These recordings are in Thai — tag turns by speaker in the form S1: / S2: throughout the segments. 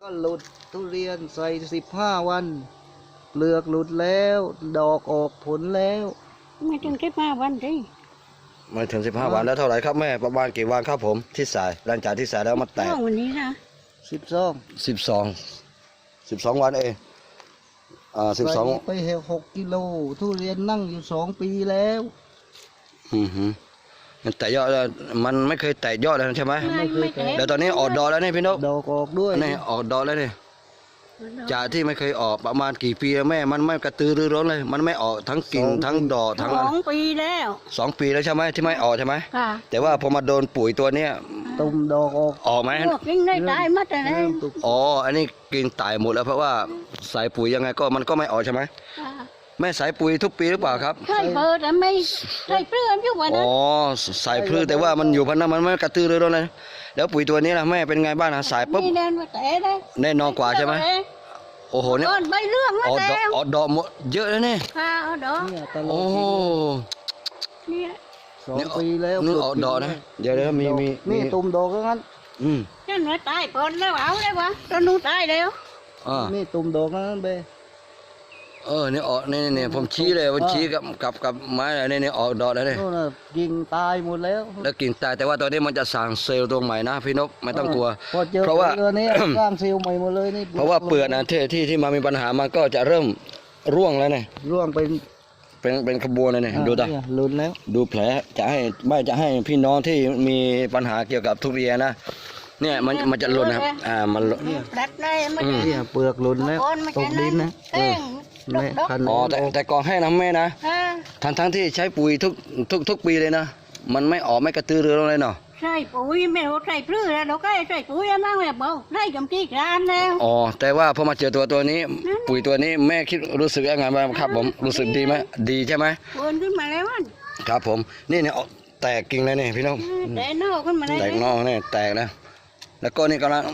S1: ก็หลุดทุเรียนใส่15 วันเปลือกหลุดแล้วดอกออกผลแล้ว
S2: ไม่ถึง15 วันสิ
S3: ไม่ถึง15 วันแล้วเท่าไหร่ครับแม่ประมาณกี่วันครับผมที่สายหลังจากที่สายแล้วมันแตก
S2: วันนี้นะ
S3: 12 วันเอง12
S1: ไป6 กิโลทุเรียนนั่งอยู่2 ปีแล้ว
S3: มันแตกยอดแล้วมันไม่เคยแตกยอดเลยใช่ไหม
S2: ไม่เคยแตก
S3: แล้วตอนนี้ออกดอกแล้วนี่พี่นก
S1: ดอกออกด้วย
S3: นี่ออกดอกแล้วนี่จากที่ไม่เคยออกประมาณกี่ปีแม่มันไม่กระตือรือร้นเลยมันไม่ออกทั้งกิ่งทั้งดอกทั้ง
S2: 2 ปีแล้ว
S3: 2 ปีแล้วใช่ไหมที่ไม่ออกใช่ไหม
S2: ค่ะ
S3: แต่ว่าพอมาโดนปุ๋ยตัวเนี้ย
S1: ตุ่มดอก
S3: ออกไหม
S2: กิ่งได้ตายหมดเลย
S3: อ๋ออันนี้กิ่งตายหมดแล้วเพราะว่าใส่ปุ๋ยยังไงก็มันก็ไม่ออกใช่ไหมแม่ใส่ปุ๋ยทุกปีหรือเปล่าครับ
S2: ใส่เบอร์แต่ไม่ใส่เปลือกอยู่วันนั้น
S3: อ๋อใส่พืชแต่ว่ามันอยู่พันนั้นมันไม่กระตือรือร้นเลยแล้วปุ๋ยตัวนี้ล่ะแม่เป็นไงบ้างนะใส่ปุ๊บแน่นอนกว่าใช่ไหมโอ้โหเนี่ย
S2: ใบเรื่อง
S3: ออกดอกหมดเยอะแล้วเนี่ย
S2: ค่ะออกดอก
S3: โอ้
S1: เนี่ย2 ปีแล้ว
S3: นี่ออกดอกนะเดี๋ยวมี
S1: นี่ตุ่มดอกงั้น
S2: นั่นว่าตายก่อนแล้วเอาได้วะตอนนู้นตายแล้ว
S1: นี่ตุ่มดอกนั้นเบ
S3: นี่ออกนี่ผมชี้เลยผมชี้กับไม้อะไรนี่ออกดอกแล้วเนี่ย
S1: กิ่งตายหมดแล้ว
S3: กิ่งตายแต่ว่าตอนนี้มันจะสั่งเซลล์ตรงใหม่นะพี่นกไม่ต้องกลัว
S1: เพราะว่านี้สร้างเซลล์ใหม่หมดเลยนี่
S3: เพราะว่าเปลือกนะที่มามีปัญหามันก็จะเริ่มร่วงแล้วเนี่ย
S1: ร่วง
S3: เป็นขบวนเลยเนี่ยดูตา
S1: หลุดแล้ว
S3: ดูแผลจะให้พี่น้องที่มีปัญหาเกี่ยวกับทุเรียนนะเนี่ยมันจะหล่นนะครับมัน
S1: เนี่ยเปลือกหล่นแล้วตกดินนะ
S3: อ๋อแต่ก่อนให้นะแม่นะทั้งที่ใช้ปุ๋ยทุกปีเลยนะมันไม่ออกไม่กระตือรือร้นเลยเนาะ
S2: ใช่ปุ๋ยไม่ใส่เปลือกเราก็ใส่ปุ๋ยมากแบบเบาใส่จำจี้กรานแล้ว
S3: อ๋อแต่ว่าพอมาเจอตัวนี้ปุ๋ยตัวนี้แม่คิดรู้สึกยังไงบ้างครับผมรู้สึกดีไหมดีใช่ไหม
S2: เปิดขึ้นมาแล้ว
S3: ครับผมนี่เนี่ยแตกกิ่งเลยนี่พี่น้อง
S2: แตกนอกขึ้นมาแล้ว
S3: แตกนอกเนี่ยแตกแล้วก็นี่กำลัง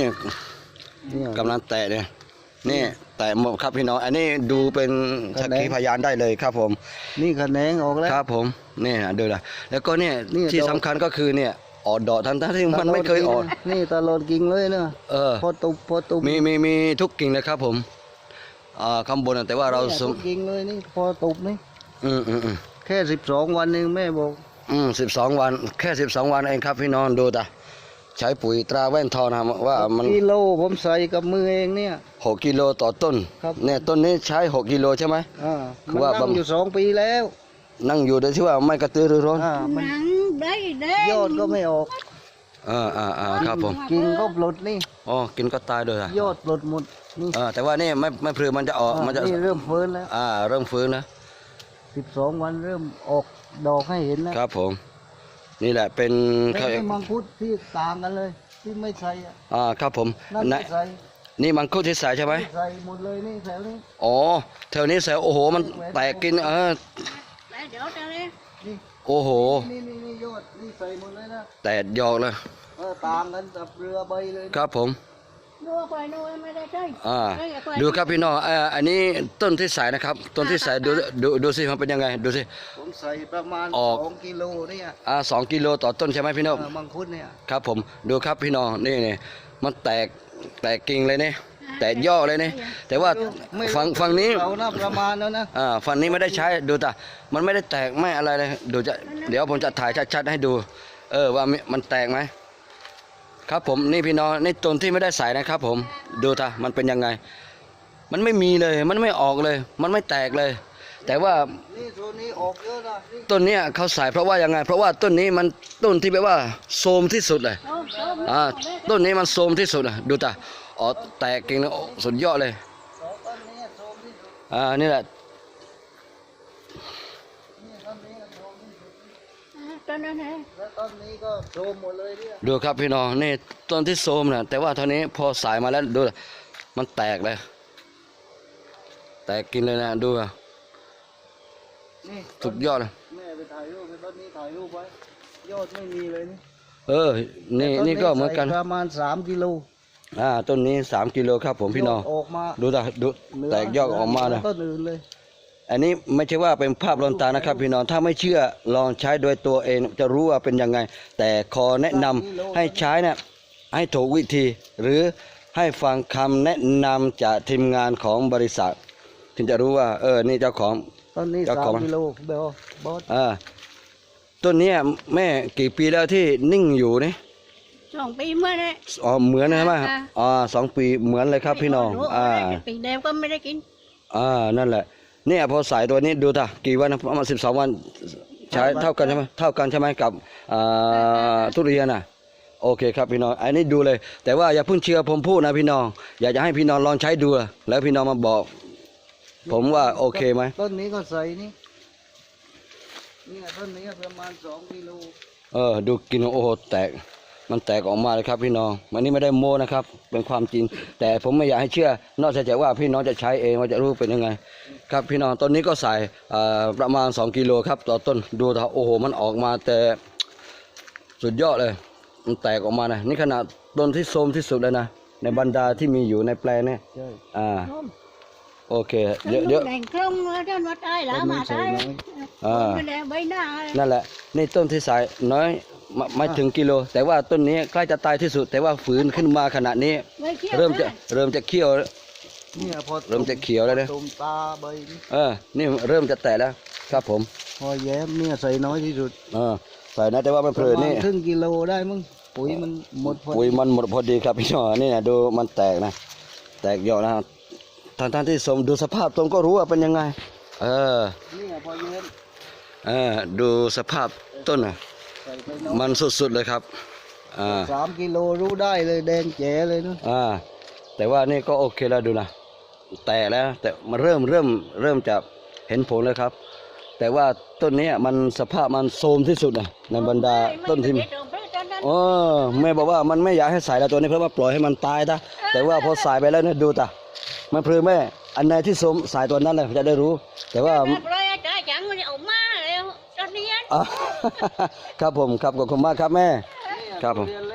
S3: แตกเนี่ยนี่แต่หมดครับพี่น้องอันนี้ดูเป็นสักขีพยานได้เลยครับผม
S1: นี่แขนงออกแล้ว
S3: ครับผมนี่ดูนะแล้วก็เนี่ยที่สำคัญก็คือเนี่ยออกดอกทั้งที่มันไม่เคยออก
S1: นี่ตลอดกิ่งเลยเนอะพอตุบ
S3: มีทุกกิ่งเลยครับผมข้างบนแต่ว่าเรา
S1: ทุกกิ่งเลยนี่พอตุบนี่แค่12 วันเองแม่บอก
S3: 12 วันแค่12 วันเองครับพี่น้องดูตาใช้ปุ๋ยตราแว่นทองนะว่ามัน
S1: กิโลผมใส่กับมือเองเนี่ย
S3: 6 กิโลต่อต้นเนี่ยต้นนี้ใช้6 กิโลใช่ไหม
S1: คือว่านั่งอยู่2 ปีแล้ว
S3: นั่งอยู่โดยที่ว่าไม่กระตือรือร้น
S2: นั่งได้
S1: ยอดก็ไม่ออก
S3: ครับผม
S1: กินก็หลุดนี่
S3: กินก็ตายเลย
S1: ยอดหลุดหมด
S3: นี่แต่ว่านี่ไม่พลือมันจะออกมันจะ
S1: เริ่มฟื้นแล้ว
S3: เริ่มฟื้นนะ
S1: 12 วันเริ่มออกดอกให้เห็นนะครับ
S3: ผมนี่แหละเป็น
S1: มังคุดที่ต่างกันเลยที่ไม่ใส่
S3: ครับผมนี่มังคุดที่ใส่ใช่ไหม
S1: ใส่หมดเลยนี่แถวนี้
S3: แถวนี้ใส่โอ้โหมันแตกกินโอ้โห
S1: นี่ยอดนี่ใส่หมดเลยนะ
S3: แตกยอดเลย
S1: ต่างกันกับเรือใบเลย
S3: ครับผมดูครับพี่น้องอันนี้ต้นที่ใส่นะครับต้นที่ใส่ดูสิมันเป็นยังไงดูสิ
S1: ผมใส่ประมาณ2 กิโลเนี่ย
S3: 2 กิโลต่อต้นใช่ไหมพี่น้อง
S1: มังคุดเนี่ย
S3: ครับผมดูครับพี่น้องนี่มันแตกกิ่งเลยเนี่ยแตกยอดเลยเนี่ยแต่ว่าฝั่งนี้
S1: ประมาณแล้วนะ
S3: ฝั่งนี้ไม่ได้ใช้ดูแต่มันไม่ได้แตกไม่อะไรเลยดูเดี๋ยวผมจะถ่ายชัดๆให้ดูว่ามันแตกไหมครับผมนี่พี่น้องนี่ต้นที่ไม่ได้ใส่นะครับผมดูท่ามันเป็นยังไงมันไม่มีเลยมันไม่ออกเลยมันไม่แตกเลยแต่ว่าต้นนี้เขาใส่เพราะว่ายังไงเพราะว่าต้นนี้มันต้นที่แบบว่าโทรมที่สุดเลยต้นนี้มันโทรมที่สุดเลยดูท่าแตกกิ่งแล้วสุดยอดเลยนี่แหละ
S1: ต้นนี้ก็โทรมหมดเลย
S3: ดูครับพี่น้องนี่ต้นที่โทรมนะแต่ว่าเท่านี้พอสายมาแล้วดูมันแตกเลยแตกกินเลยนะดูสุดยอดเลย
S1: แม่ไปถ่ายรูปไปต้นนี้ถ่ายรูปไว้ยอดไม่มีเลย
S3: นี่ก็เหมือนกัน
S1: ประมาณ3 กิโล
S3: ต้นนี้3 กิโลครับผมพี่น้องดูแตกยอดออกมานะ
S1: ต้นอื่นเลย
S3: อันนี้ไม่ใช่ว่าเป็นภาพลวงตานะครับพี่น้องถ้าไม่เชื่อลองใช้โดยตัวเองจะรู้ว่าเป็นยังไงแต่ขอแนะนำให้ใช้นะให้ถูกวิธีหรือให้ฟังคำแนะนำจากทีมงานของบริษัท ถึงจะรู้ว่านี่เจ้าของ
S1: ต้นนี้
S3: เจ้าของ
S1: 3 กิโลเบลบอส
S3: ต้นเนี้ยแม่กี่ปีแล้วที่นิ่งอยู่นี่
S2: 2 ปีเมื่อนี้
S3: อ๋อเหมือนใช่ไหม
S2: ค่ะ
S3: 2 ปีเหมือนเลยครับพี่น้อง
S2: ปีเดียวก็ไม่ได้กิน
S3: นั่นแหละเนี่ยพอสายตัวนี้ดูท่ากี่วันนะประมาณ12 วันใช้เท่ากันใช่ไหมเท่ากันใช่ไหมกับทุเรียนน่ะโอเคครับพี่น้องอันนี้ดูเลย แต่ว่าอย่าเพิ่งเชื่อผมพูดนะพี่น้องอยากจะให้พี่น้องลองใช้ดูแล้วพี่น้องมาบอก ผมว่าโอเคไหม
S1: ต้นนี้ก็ใส่นี่เนี่ยต้นนี้ประมาณ2 กิโล
S3: ดูกินโอ้โหแตกมันแตกออกมาเลยครับพี่น้องมันนี่ไม่ได้โม้นะครับเป็นความจริง แต่ผมไม่อยากให้เชื่อนอกจากว่าพี่น้องจะใช้เองว่าจะรู้เป็นยังไง ครับพี่น้องต้นนี้ก็ใส่ประมาณ2 กิโลครับต่อต้นดูเถอะโอ้โหมันออกมาแต่สุดยอดเลยมันแตกออกมานะนี่ขนาดต้นที่โทรมที่สุดเลยนะในบรรดาที่มีอยู่ในแปลงเนี่ย
S1: ใช่
S3: โอเคเยอะ
S2: แดงคล่องจนว่าตายแล้วมาตายไม่ได้ใบหน้า
S3: นั่นแหละนี่ต้นที่สายน้อยไม่ถึงกิโล แต่ว่าต้นนี้ใกล้จะตายที่สุด แต่ว่าฝืนขึ้นมาขณะนี้ เริ่มจะเขียว
S1: เนี่ยพอ
S3: เริ่มจะเขียวแล้วนะ
S1: ตุ่มตาใบนี่
S3: นี่เริ่มจะแตกแล้วครับผม
S1: พอแย้มเนี่ยใส่น้อยที่สุด
S3: ใส่นะแต่ว่ามัน
S1: ป
S3: เพ
S1: ระ
S3: ลิน
S1: มาณ
S3: นี่
S1: ครึ่งกิโลได้มั้งปุ๋ยมันหมดพอ
S3: ปุ๋ย
S1: ดี
S3: มันหมดพอดีครับพี่น้องนี่นะดูมันแตกนะ แตกเยอะนะท่านที่สมดูสภาพต้นก็รู้ว่าเป็นยังไง
S1: เนี่ยพอแย้ม
S3: ดูสภาพต้นนะ
S1: ใส่ไปน้อย
S3: มันสุดๆเลยครับ
S1: 3 กิโลรู้ได้เลยแดงแจ๋เลยเนาะ
S3: แต่ว่านี่ก็โอเคแล้วดูนะแตกแล้วแต่มันเริ่มจะเห็นผลเลยครับ แต่ว่าต้นนี้มันสภาพมันโทรมที่สุดนะในบรรดาต้นที่แม่บอกว่ามันไม่อยากให้ใส่แล้วตัวนี้เพราะว่าปล่อยให้มันตายนะแต่ว่าพอใส่ไปแล้วเนี่ยดูตามันพลือแม่อันไหนที่โทรมใส่ตัวนั้นเลยจะได้รู้ แต่ว่า
S2: rồi trời chẳng có ổn má rồi cho đi
S3: ครับผมครับขอบคุณมากครับแม่ครับผม